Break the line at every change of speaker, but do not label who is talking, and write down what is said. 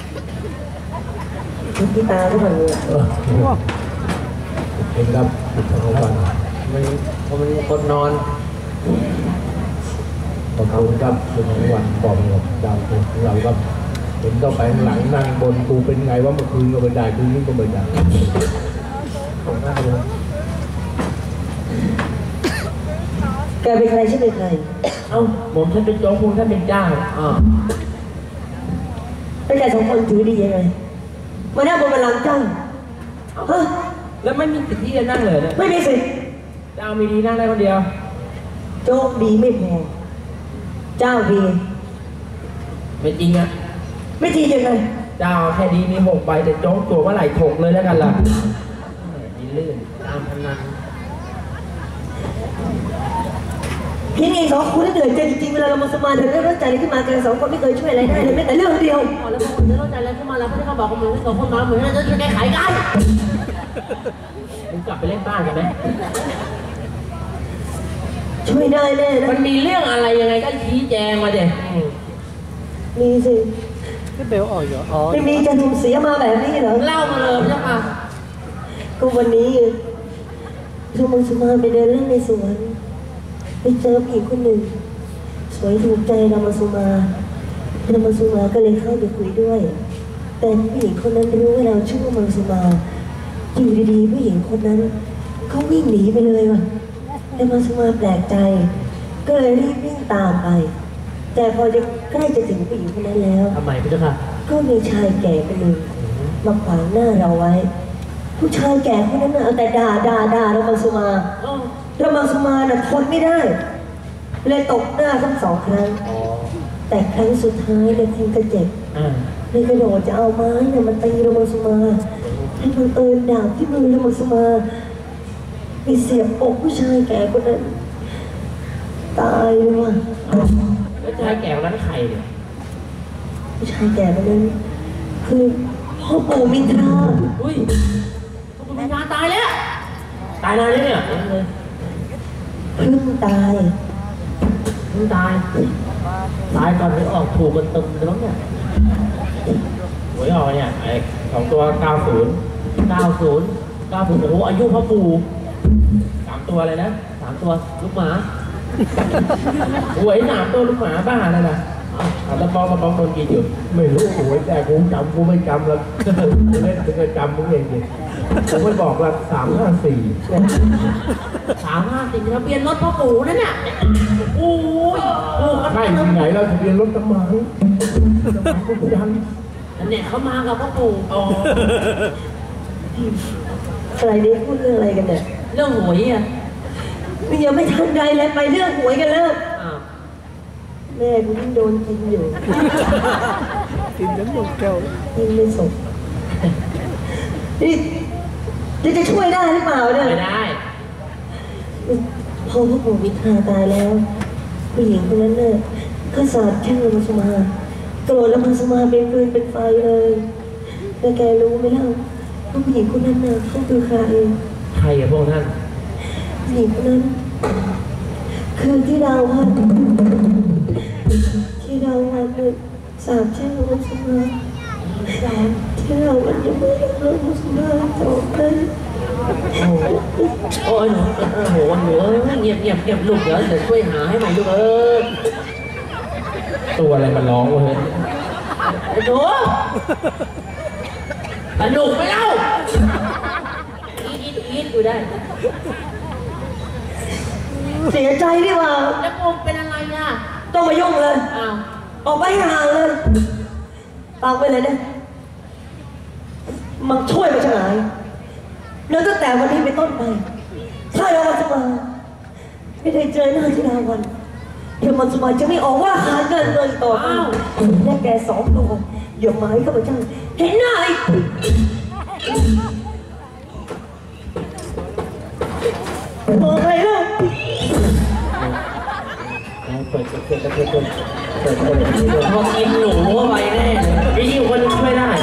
พี่ตาทุกคนเลย
เป็นครับทั้งวันมันคนนอนขอบคุณครับเป็นทั้งวันบอกกับดาวของเราครับเห็นก็ไปหลังนั่งบนกูเป็นไงว่าเมื่อคืนก็ไม่ได้คืนนี้ก็ไม่ได้ของหน้าเลย
แกเป็นใครชื่อเป็นใคร
เอ้าผมท่านเป็นโจ๊กคุณท่านเป็นเจ้า
เป็นแกสองคนถือดียังไงมาหน้าบนบัลลังก์เจ้าฮะ
แล้วไม่มีสิทธิ์ที่จะนั่งเลยนะ
ไม่มีสิทธิ์
เจ้ามีดีนั่งได้คนเดียว
โจ๊กดีไม่พอเจ้าดี
ไม่จริงอะ
ไม่จริงยังไง
เจ้าแค่ดีมี6 ใบแต่โจ๊กตัวว่าไหลถกเลยแล้วกันล่ะดีลื่นตามพนัน
พี่เองสองคนที่เหนื่อยใจจริงๆเวลาเรามาสมาธิเราได้ใจอะไรขึ้นมากันสองคนไม่เคยช่วยอะไรได้เลยแม้แต่เรื่องเดียว
แล้วพอคนจะรู้ใจอะไรขึ้นมาแล้วเขาบอกกับมึงสองคนมาเหมือนจะแก้ไขกัน
มึงกลับไปเล่นบ้านกันไหม
ช่วยได้แน่นะ
มันมีเรื่องอะไรยังไงก็ชี้แจงมาเด็ก
มีสิ
ที่เบลออกอยู่
ไม่มีจะถูกเสียมาแบบนี้เหรอ
เล่ามาเลยใช่ปะ
ก็วันนี้เรามังสมาไปเดินเล่นในสวนไปเจอผู้หญิงคนหนึ่งสวยถูกใจเรามาสุมาก็เลยเข้าไปคุยด้วยแต่ผู้หญิงคนนั้นรู้ว่าเราชื่อว่ามังสุมาอยู่ดีๆผู้หญิงคนนั้นเขาวิ่งหนีไปเลยว่ะแต่มังสุมาแปลกใจก็เลยรีบวิ่งตามไปแต่พอจะใกล้จะถึงผู้หญิงคนนั้นแล้ว
ทำไมพี่เจ้าค่ะ
ก็มีชายแก่คนหนึ่งมาขวางหน้าเราไว้ผู้ชายแก่คนนั้นเอาแต่ด่าเรามังสุมาน่ะทนไม่ได้เลยตกหน้าทั้ง2 ครั้งแต่ครั้งสุดท้ายเลยคงจะเจ็บเลยกระโดดจะเอาไม้เนี่ยมันตีเรามังสุมาให้บังเอิญดาบที่มือเรามังสุมาไปเสียบอกผู้ชายแก่คนนั้นตายเลยว่ะ
แล้วชายแก่คนนั้นใครเนี่ย
ผู้ชายแก่คนนั้นคือพ่อปู่มินทรา
อุ้ยพ่อปู่มินทราตายแล้ว
ตายนานแล้วเนี่ย
เพิ่งตาย
ก่อนไม่ออกถูกกันตึมเลยมั้งเนี่ยหวยออกเนี่ยไอ้2 ตัว90โอ้โหอายุพ่อปู่3 ตัวเลยนะ3 ตัวลูกหมาหวย3 ตัวลูกหมาบ้าอะไรล่ะแล้วป้องโดนกินอยู่ไม่รู้หวยแต่กูจำกูไม่จำแล้วเล่นจะจำมึงเองดิผมไม่บอกละ354
ทะเบียนรถพ่อปู่นั่นน่ะโอ้ย
ใช่ที่ไหนเราทะเบียนรถตำมากูยัน
อันเนี้ยเขามากับพ่อปู่
อะไรนี่พูดเรื่องอะไรกันเนี่ย
เรื่องหวยอ่ะ
มันยังไม่ทันใดเลยไปเรื่องหวยกันแล้วแม่กูยิ่งโดนกินอยู่
กินน้ำนมแก้ว
ยิ่งไม่สมนี่จะช่วยได้หรือเปล่าเนี่ย
ไม่ได้
พอพ่อปู่มิทราตายแล้วผู้หญิงคนนั้นเนี่ยก็สาบแช่งมังสุมาโกรธแล้วมังสุมาเป็นฟืนเป็นไฟเลยแต่แกรู้ไหมล่ะว่าผู้หญิงคนนั้นน่ะเขาคือใคร
อะพวกท่าน
ผู้หญิงคนนั้นคือที่เราว่าเนี่ยสาบแช่งมังสุมาที่เราวันยังไม่ได้เลิกมังสุมาจบเลย
โอ้ยโหเงียบลูกเดี๋ยวช่วยหาให้ใหม่ลูก
ตัวอะไรมันร้องวะเฮ้ย
ไอ้หนูสนุกไปเล่าอีดอยู่ได้
เสียใจดิว่า
แล้วผมเป็นอะไรอ่ะ
ต้องมายุ่งเลยออกไปห่างเลยตามไปเลยนะมันช่วยมาจากไหนแล้วตั้งแต่วันนี้เป็นต้นไปถ้าเราจะมาไม่ได้เจอหน้าที่ดาวันเดี๋ยวมันสมัยจะไม่ออกว่าหาเงินเลยต่อไปและแก2 ตัวอย่าหมายเข้าไปจ้าเห็นหน้าอีกบอกอะไรล่ะ
เปิด
พอกินหนูเข้าไปแน่ไอ้ยิ่งคนช่วยได้